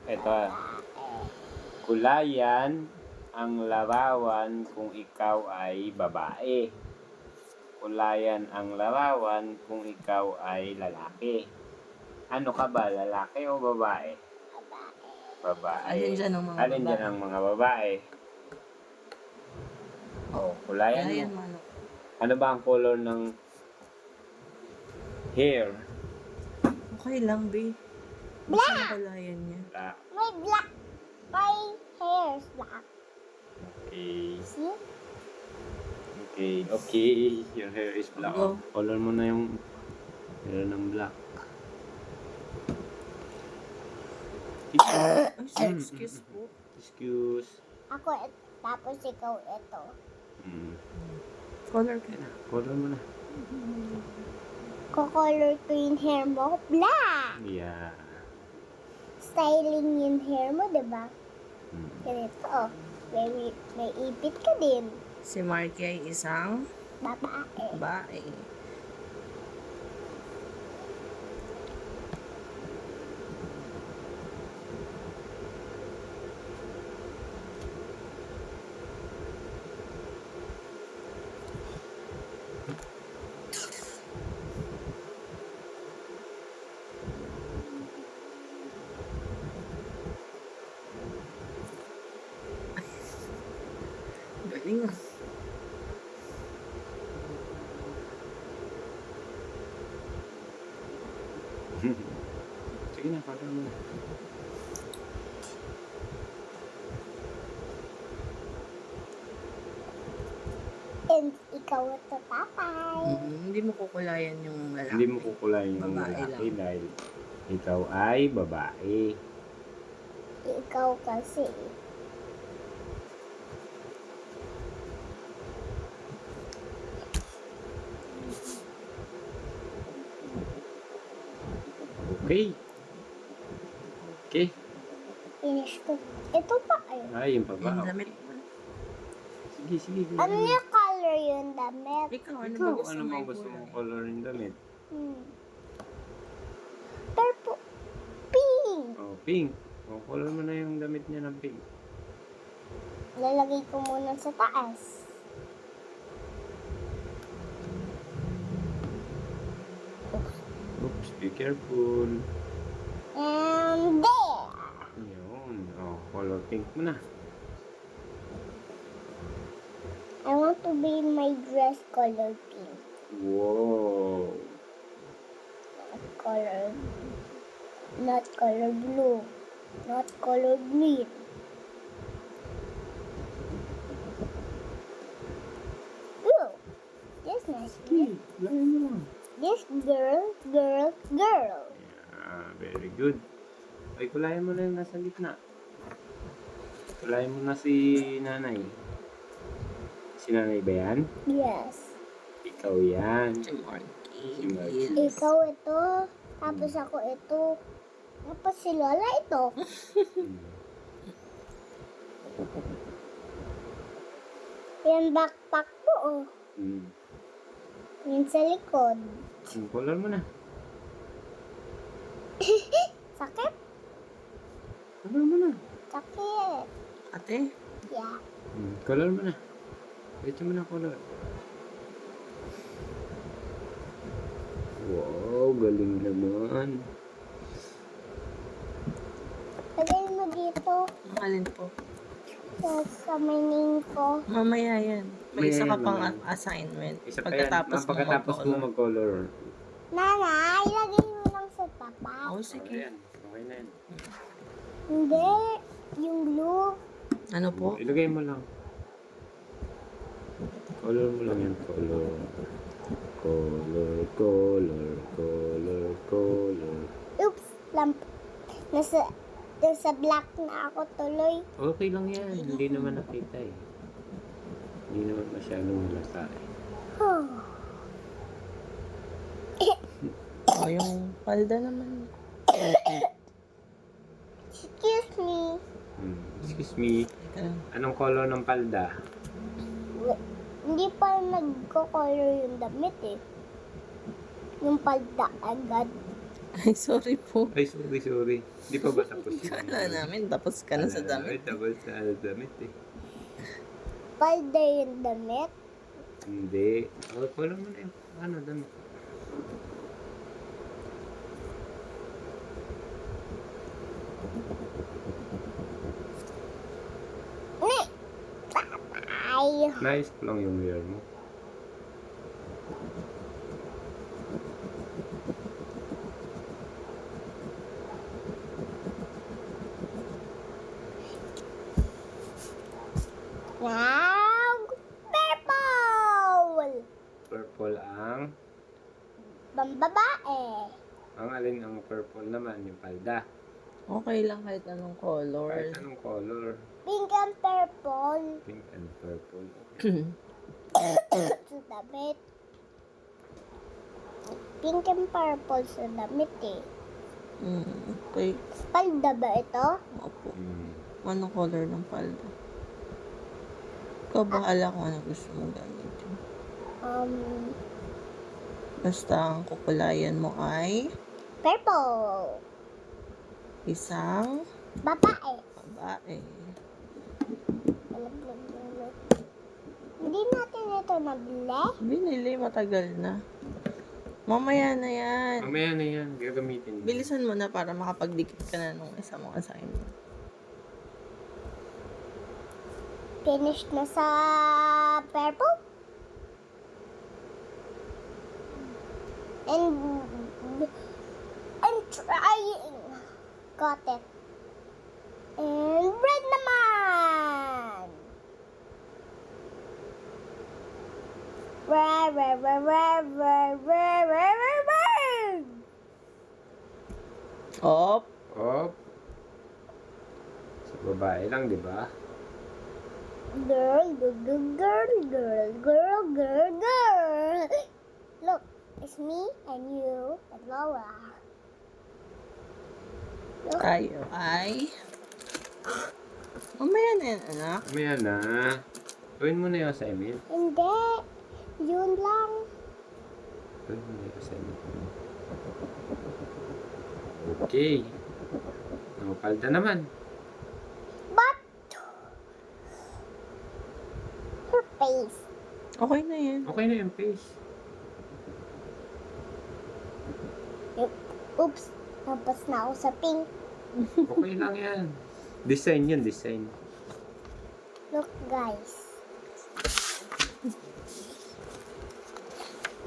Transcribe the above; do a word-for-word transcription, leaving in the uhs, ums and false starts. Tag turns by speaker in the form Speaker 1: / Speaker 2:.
Speaker 1: Ito. Kulayan ang larawan kung ikaw ay babae. Kulayan ang larawan kung ikaw ay lalaki. Ano ka ba? Lalaki o babae? Babae.
Speaker 2: Alin dyan ang mga
Speaker 1: Alin dyan
Speaker 2: babae?
Speaker 1: ang mga babae? Oh, kulayan
Speaker 2: Kaya yan,
Speaker 1: mo.
Speaker 2: manok.
Speaker 1: Ano ba ang color ng hair?
Speaker 2: Okay lang, be. Basta ang kulayan niya.
Speaker 1: Black.
Speaker 3: My black. My hair is black.
Speaker 1: Okay.
Speaker 3: See?
Speaker 1: Okay. Okay. Your hair is black.
Speaker 2: Go.
Speaker 1: Color mo na yung hair ng black.
Speaker 2: Ay, excuse po.
Speaker 1: Excuse.
Speaker 3: Ako, et, tapos ikaw ito.
Speaker 1: Hmm.
Speaker 2: Color ka na.
Speaker 1: Color mo na.
Speaker 3: Ko-color ko yung hair mo. Black!
Speaker 1: Yeah.
Speaker 3: Styling yung hair mo, diba?
Speaker 1: Hmm.
Speaker 3: Ganito, oh. May, may ipit ka din.
Speaker 2: Si Marky ay isang
Speaker 3: Babae.
Speaker 2: babae. Galing ah.
Speaker 1: Sige na, color mo na.
Speaker 3: And ikaw ito, tatay.
Speaker 2: Mm, hindi mo kukulayan yung lalaki.
Speaker 1: Hindi mo kukulayan yung
Speaker 2: Babae
Speaker 1: lalaki
Speaker 2: lang.
Speaker 1: dahil ikaw ay babae.
Speaker 3: Ikaw kasi.
Speaker 1: Okay. Okay.
Speaker 3: Finish ko. Ito pa ay.
Speaker 1: Ay, yung baba.
Speaker 2: Yung damit mo.
Speaker 1: Sige, sige. sige.
Speaker 3: Ano yung color yung damit?
Speaker 2: Ikaw, ano
Speaker 1: Ikaw,
Speaker 2: ba gusto
Speaker 1: ano
Speaker 2: mo
Speaker 1: bang
Speaker 2: yung
Speaker 1: gusto mong
Speaker 2: kulay?
Speaker 1: color ng damit?
Speaker 3: Hmm. Purple. Pink.
Speaker 1: Oh, pink. Oh, color mo na yung damit niya ng pink.
Speaker 3: Lalagay ko muna sa taas.
Speaker 1: Oops, be careful.
Speaker 3: And there.
Speaker 1: Yun. Oh, color pink mo na.
Speaker 3: I want to be my dress color pink.
Speaker 1: Wow.
Speaker 3: Not color. Not color blue. Not color green. Ooh. This nice.
Speaker 1: Okay, lagay mo lang.
Speaker 3: This girl, girl, girl.
Speaker 1: Yeah, very good. Ay, kulayan mo na yung nasa gitna. Kulayan mo na si nanay. Si nanay ba yan?
Speaker 3: Yes.
Speaker 1: Ikaw yan.
Speaker 2: Si Marky.
Speaker 1: Si Marky.
Speaker 2: Yes.
Speaker 3: Ikaw ito. Tapos ako ito. Tapos si Lola ito.
Speaker 1: Hmm.
Speaker 3: Yan backpack ko oh.
Speaker 1: Hmm.
Speaker 3: Yan sa likod.
Speaker 1: Hmm, color mo na.
Speaker 3: Sakit?
Speaker 1: Color mo na.
Speaker 3: Sakit.
Speaker 2: Ate,
Speaker 3: Yeah.
Speaker 1: Hmm, color mo na. Ito mo na color. Wow, galing naman.
Speaker 3: Lagay mo dito
Speaker 2: ang alin po?
Speaker 3: sa, sa may name ko.
Speaker 2: Mamaya yan. May
Speaker 1: Mamaya
Speaker 2: isa ka
Speaker 1: yan,
Speaker 2: pang
Speaker 1: mamaya.
Speaker 2: assignment.
Speaker 1: Isa pa yan.
Speaker 2: Pagkatapos
Speaker 1: Ah, pagkatapos mo
Speaker 2: mag-color.
Speaker 1: mag-color.
Speaker 3: Nanay, lagay mo lang sa tapat.
Speaker 2: Oh,
Speaker 1: Okay
Speaker 2: sige.
Speaker 1: yan. Okay na yan.
Speaker 3: Hindi. Yung blue.
Speaker 2: Ano po?
Speaker 1: Ilagay mo lang. Color mo lang yan. Color. Color, color, color, color.
Speaker 3: Oops. Lamp. Nasa, nasa black na ako tuloy.
Speaker 1: Okay lang yan. Hindi naman nakita eh. Hindi naman masyadong halata eh.
Speaker 3: Huh.
Speaker 2: O, yung palda naman.
Speaker 3: Excuse me.
Speaker 1: Hmm. Excuse me.
Speaker 2: Teka lang.
Speaker 1: Anong color ng palda?
Speaker 3: Wi- Hindi pa nagko-color yung damit eh. Yung palda agad.
Speaker 2: Ay, sorry po.
Speaker 1: Ay, sorry, sorry. Hindi pa ba tapos yun?
Speaker 2: Kala namin, tapos ka na sa
Speaker 1: Ay,
Speaker 2: damit.
Speaker 1: tapos na sa damit eh.
Speaker 3: Palda yung damit.
Speaker 1: Hindi. Okay, wala mo na yung ano, damit.
Speaker 3: Ni! Ay!
Speaker 1: Nice ko lang yung wear mo.
Speaker 3: Wow! Purple!
Speaker 1: Purple ang...
Speaker 3: Pambabae.
Speaker 1: Ang alin ang purple naman, yung palda.
Speaker 2: Okay lang kahit anong color.
Speaker 1: Kahit anong color.
Speaker 3: Pink and purple.
Speaker 1: Pink and purple.
Speaker 3: Sa damit. Pink and purple sa damit eh.
Speaker 2: Mm, okay.
Speaker 3: Palda ba ito?
Speaker 2: Opo.
Speaker 1: Hmm.
Speaker 2: Anong color ng palda? Ikaw bahala kung ano gusto mong gamitin.
Speaker 3: Um,
Speaker 2: Basta ang kukulayan mo ay
Speaker 3: purple.
Speaker 2: isang
Speaker 3: Babae.
Speaker 2: babae.
Speaker 3: Hindi natin ito nabili.
Speaker 2: Binili, matagal na. Mamaya na yan.
Speaker 1: Mamaya na yan, gagamitin.
Speaker 2: Bilisan mo na para makapagdikit ka na nung isa mong assignment.
Speaker 3: Finish na sa purple. And I'm trying. Got it. And red naman. Red, red, red, red, red, red, red, red, red.
Speaker 2: Op!
Speaker 1: Op. Sa babae lang, di ba?
Speaker 3: Girl, girl, girl, girl, girl, girl, girl. Look, it's me and you and Laura. Look.
Speaker 2: Tayo ay... Mamaya na yan, anak.
Speaker 1: Mamaya na. Gawin mo na yung assignment.
Speaker 3: Hindi. Yun lang.
Speaker 1: Gawin mo na yung assignment mo. Okay. Ang palda naman.
Speaker 3: But her face.
Speaker 2: Okay na yan.
Speaker 1: Okay na yung face.
Speaker 3: Oops. Tapos na ako sa pink.
Speaker 1: Okay lang yan. Design yun, design.
Speaker 3: Look, guys.